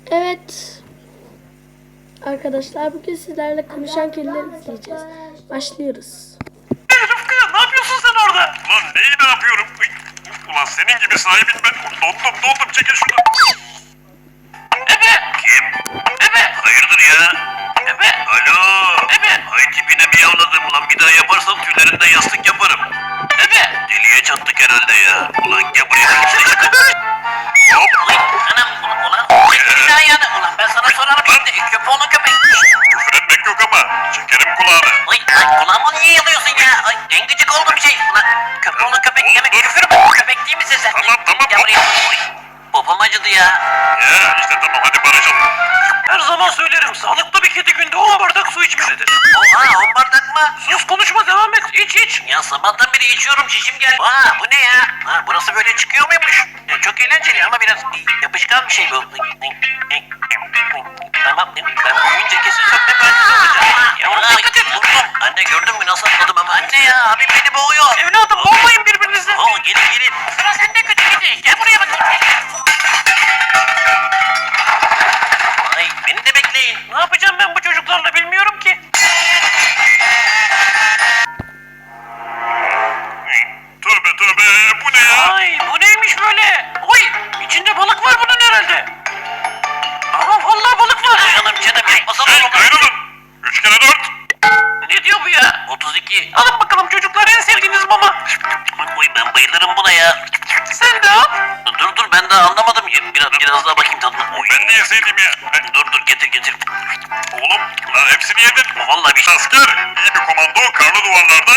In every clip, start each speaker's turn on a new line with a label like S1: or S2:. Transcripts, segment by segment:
S1: Evet. Arkadaşlar bugün sizlerle konuşan kediler izleyeceğiz. Başlıyoruz.
S2: Rıfkı ne yapıyorsun sen orada? Ulan neyi ne yapıyorum? Ulan senin gibi sahibin ben. Dondum çekil şunu. Ebe. Kim? Ebe. Hayırdır ya? Ebe. Alo. Ebe. Ay tipine miyavladım ulan bir daha yaparsan tüylerinden yastık yaparım. Ebe. Deliye çattık herhalde ya. Ulan gel buraya bir içeri çıkın. Hop. Anam ulan. Bir daha yani ulan ben sana sorarım şimdi. Köpeğinin köpek. Küfür etmek yok ama. Çekerim kulağını. Ay kulağımı niye yalıyorsun ya? Ay en gıcık olduğum şey. Ulan köpeğinin köpek yemek küfür mü? Köpek değil misin sen? Tamam. Gel buraya. Popom acıdı ya. Ya işte tamam hadi barışalım. Her zaman söylerim sağlıklı bir kedi günde 10 bardak su içmelidir. Oha 10 bardak mı? Sus konuşma devam et iç. Ya sabahtan beri içiyorum şişim geldi. Aa bu ne ya? Ha, burası böyle çıkıyor muymuş? Çok eğlenceli ama biraz yapışkan bir şey bu. Tamam ben büyüyünce kesin sökme mühendisi olacağım. Yavrum dikkat et vurdum. Anne gördün mü nasıl atladım ama anne ya abim beni boğuyor. Evladım boğmayın birbirinizi. Oo gelin. Sıra sende kötü kedi. Gel buraya bakayım. Ay beni de bekleyin. Ne yapacağım ben bu çocuklarla bilmiyorum ki. Tövbe bu ne ya? Ay bu neymiş böyle? Oy içinde balık var bunun herhalde. Ama vallahi balık var. Canım yapmasana oğlum. Ayrılın. 3 kere 4. Ne diyor bu ya? 32. Alın bakalım çocuklar en sevdiğiniz mama. Oy ben bayılırım buna ya. Sen de al. Dur ben daha anlamadım. Biraz daha bakayım tadına. Ben de yeseydim ya. Dur getir. Oğlum lan hepsini yedin. Vallahi bir asker, iyi bir komando karlı duvarlarda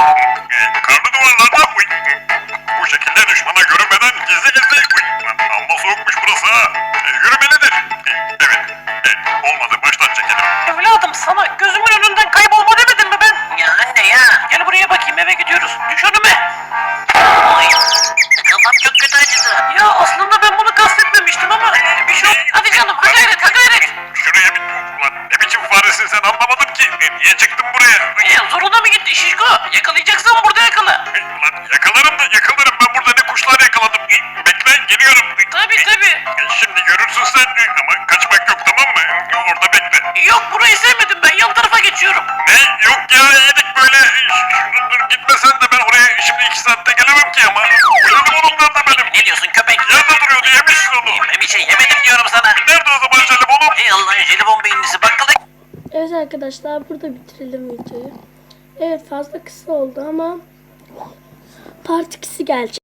S2: bu şekilde düşmana görünmeden gizli amma soğukmuş burası ha. Yürümelidir. Evet. Olmadı baştan çekelim. Evladım sana gözümün önünden kaybolma demedim mi ben? Ya anne ya. Gel buraya bakayım eve gidiyoruz. Düş önüme. Ay. Kafam çok kötü acıdı. Ya aslında ben bunu kastetmemiştim ama bir şey. Hadi canım ha gayret. Şuraya ulan ne biçim faresin sen anlamadım ki. Niye çıktın buraya? Zoruna mı gitti şişko? Yakalayacaksan burada yakala. Ulan yakalarım ben burada ne kuşlar yakaladım. Bekle geliyorum. Tabii. Şimdi görürsün sen ama kaçmak yok tamam mı? Orada bekle. Yok burayı sevmedim ben yan tarafa geçiyorum. Ne? Yok ya yedik böyle. Dur gitmesen de ben oraya şimdi 2 saatte gelemem ki ama. Benim onundan da benim. Ne diyorsun köpek? Yerde duruyordu yemişsin onu. Bir şey yemedim diyorum sana. Nerede o zaman jelibonum? Ey Allah'ın jelibon beyinlisi bakkala.
S1: Evet arkadaşlar burada bitirelim videoyu. Evet fazla kısa oldu ama part 2'si gelecek.